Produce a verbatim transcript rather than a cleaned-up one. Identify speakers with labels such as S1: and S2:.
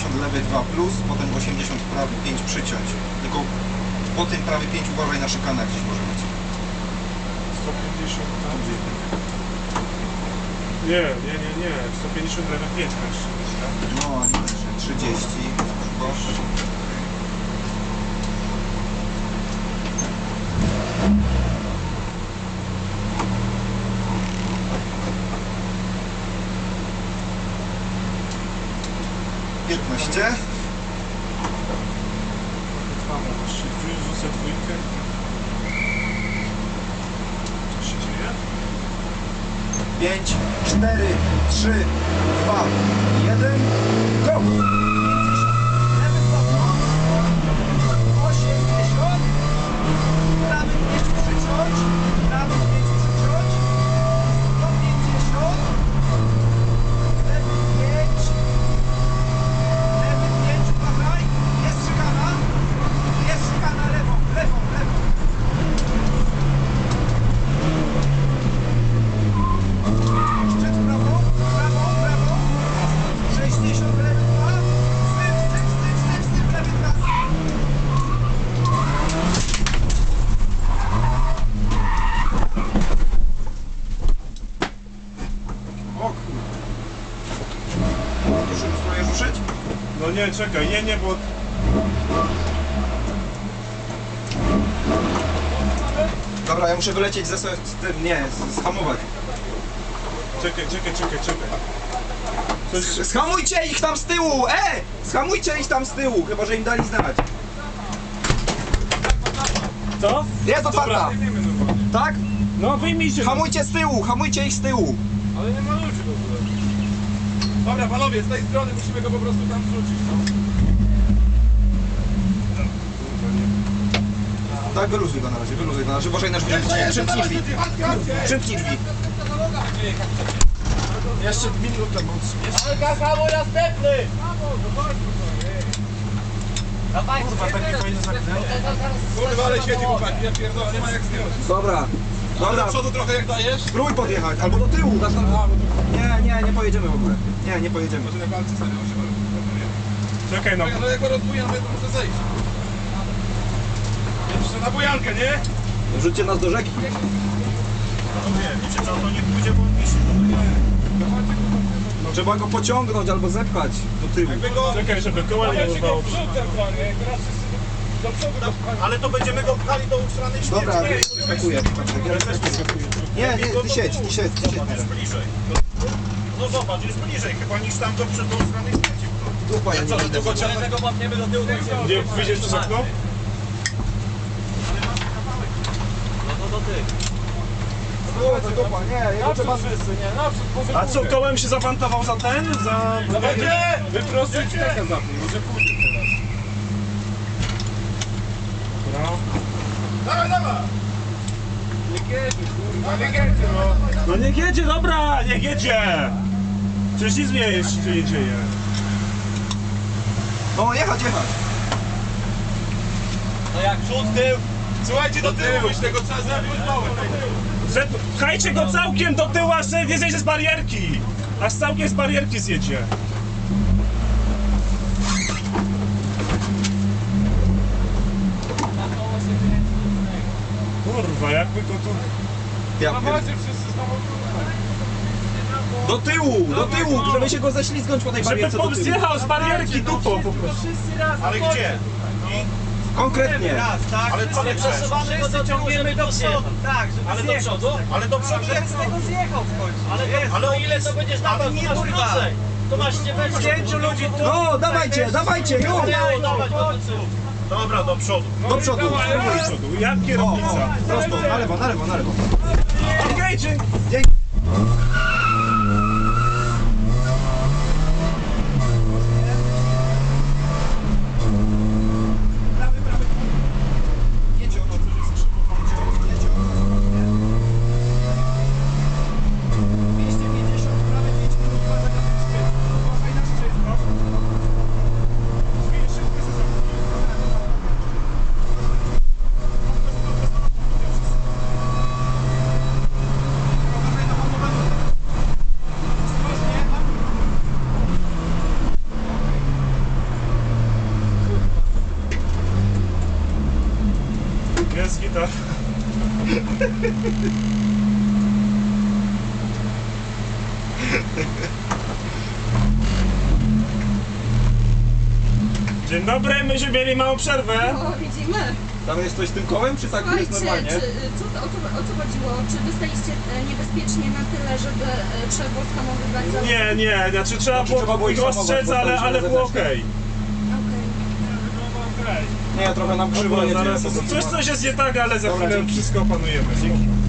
S1: pięćdziesiąt lewy dwa plus, potem osiemdziesiąt prawy pięć przyciąć. Tylko po tym prawy pięć uważaj na szykanach, gdzieś może być.
S2: sto pięćdziesiąt tam. Nie, nie, nie, nie. sto pięćdziesiąt lewy pięć masz.
S1: No, a nie też. trzydzieści. Bo... piętnaście.
S2: Rzucę dwójkę. Co się dzieje?
S1: pięć, cztery, trzy, dwa, jeden, go!
S3: osiemdziesiąt, prawy pięć przyciąć, prawy pięć przyciąć, sto pięćdziesiąt, lewy pięć, lewy pięć, uważaj, jest szykana, jest szykana lewą, lewą, lewą. Szczyt prawą, prawą, prawą, sześćdziesiąt lewy dwa, styk, styk, styk, styk, styk, lewy dwa.
S1: O kurde. Już spróbuję ruszyć?
S2: No nie, czekaj, nie, nie, bo...
S1: Dobra, ja muszę wylecieć ze z tym, nie, z- zhamować.
S2: Czekaj, czekaj, czekaj, czekaj. Coś...
S1: Schamujcie ich tam z tyłu! E! Schamujcie ich tam z tyłu, chyba że im dali znać.
S2: Co?
S1: Jest otwarta! Tak?
S2: No wyjmijcie.
S1: Hamujcie z tyłu, hamujcie ich z tyłu.
S2: Ale nie ma ludzi w ogóle. Dobra, panowie, z tej strony musimy go po prostu tam wrzucić.
S1: Tak, wyluzuj go na razie, wyluzuj go na razie, uważaj na drzwi. Przymknij drzwi. Przymknij drzwi.
S2: Jeszcze minutę, bo... Jeszcze...
S3: Hamuj następny! Dawaj,
S2: Kurwa, takie fajne zaknęło.
S4: Kurwa, ale świeci chłopaki, ja pierdolę, nie ma jak zdjąć.
S1: Dobra.
S4: Ale
S1: Dobra,
S4: do przodu trochę jak dajesz?
S1: spróbuj podjechać, albo do tyłu. Dasz nam... Nie, nie, nie pojedziemy w ogóle. Nie, nie pojedziemy.
S4: Może na walce sobie się
S2: Czekaj, no.
S4: no jak go rozbuję, to muszę zejść. Jeszcze na bujankę, nie?
S1: Wrzućcie nas do rzeki.
S2: Wiecie co, to nie pójdzie, bo on wisi.
S1: No, trzeba go pociągnąć albo zepchać do tyłu.
S4: Jakby go...
S2: Czekaj, żeby koła nie urwało.
S4: Ale to będziemy go pchali do ustranej śmierci.
S1: Dobra, wyskakuję. Nie, nie, ty siedź, ty siedź, ty siedź.
S4: Jest bliżej. No zobacz, jest bliżej chyba niż tam do przed do ustranej śmierci.
S1: Dupa, ja nie
S4: Co, że
S1: będę.
S4: tylko ciągle go łapniemy do tyłu?
S2: Gdzie wyjdziesz przez okno?
S1: O, to dupa, nie, jego trzeba...
S2: A co, kołem się zawantował za ten? Za... Wyprostuj cztekę za tym, może pójdzie teraz. Dobra.
S4: Dawaj, dawaj!
S2: No niech jedzie, dobra, niech jedzie! Przecież nic nie jest, się nie dzieje.
S1: No, jechać, jechać.
S3: No jak przód, tył.
S4: Słuchajcie, do tyłu, myślę, tego trzeba zepchnąć małe.
S2: Pchajcie go całkiem do tyłu, aż nie zjedzie z barierki! Aż całkiem z barierki zjedzie. Kurwa, jakby go tu...
S1: Ja pier- Do tyłu, do tyłu, żeby się go ześlizgnąć po tej
S2: Żeby
S1: barierce do
S2: pan
S1: tyłu.
S2: zjechał z barierki dupą po prostu.
S4: Ale gdzie?
S1: Konkretnie.
S4: Ale co nie
S3: Przesuwamy go do ciągniemy do przodu. Tak, żeby
S4: Ale do przodu? Ale do przodu
S3: Żeby z tego zjechał w końcu. Ale, to,
S4: Ale
S3: ale ile to będziesz dawał?
S4: nie,
S3: To masz
S4: kurwa.
S3: krócej. To masz nie będzie. Pięciu ludzi tu.
S1: No, dawajcie, dawajcie, już!
S3: Dawać do końcu.
S4: Dobra, do przodu.
S1: Do przodu.
S2: Do przodu, jak kierownica.
S1: Prosto, na lewo, na lewo, na lewo.
S2: Okej, dzięki.
S1: Jedzie ono, to jest krzywo, jedzie ono. dwieście pięćdziesiąt, prawie pięć minut, uważaj na ten szczyt. Uważaj na szczyt, no. Drzwi szybko się zamknij. Uważaj na hamowanie.
S2: Dzień dobry, myśmy mieli małą przerwę.
S5: O, widzimy.
S1: Tam jest coś z tym kołem, czy tak
S5: Słuchajcie,
S1: jest normalnie?
S5: czy, co, to- o, co, o co chodziło? Czy wy staliście e, niebezpiecznie na tyle, żeby e, trzeba było skamowywać za...
S2: Nie, nie, znaczy trzeba
S1: Znaczy,
S2: było,
S1: trzeba było ich
S2: go
S1: hamować,
S2: ostrzec,
S1: bo
S2: ale,
S1: staliśmy
S2: ale
S1: na
S2: było
S1: zewnętrznej.
S2: okej.
S1: Nie, trochę nam krzywo
S2: Dobra,
S1: jedzie.
S2: zaraz,
S1: po prostu.
S2: coś, coś jest nie tak, ale za
S1: Dobra,
S2: chwilę
S1: dzięki.
S2: wszystko opanujemy.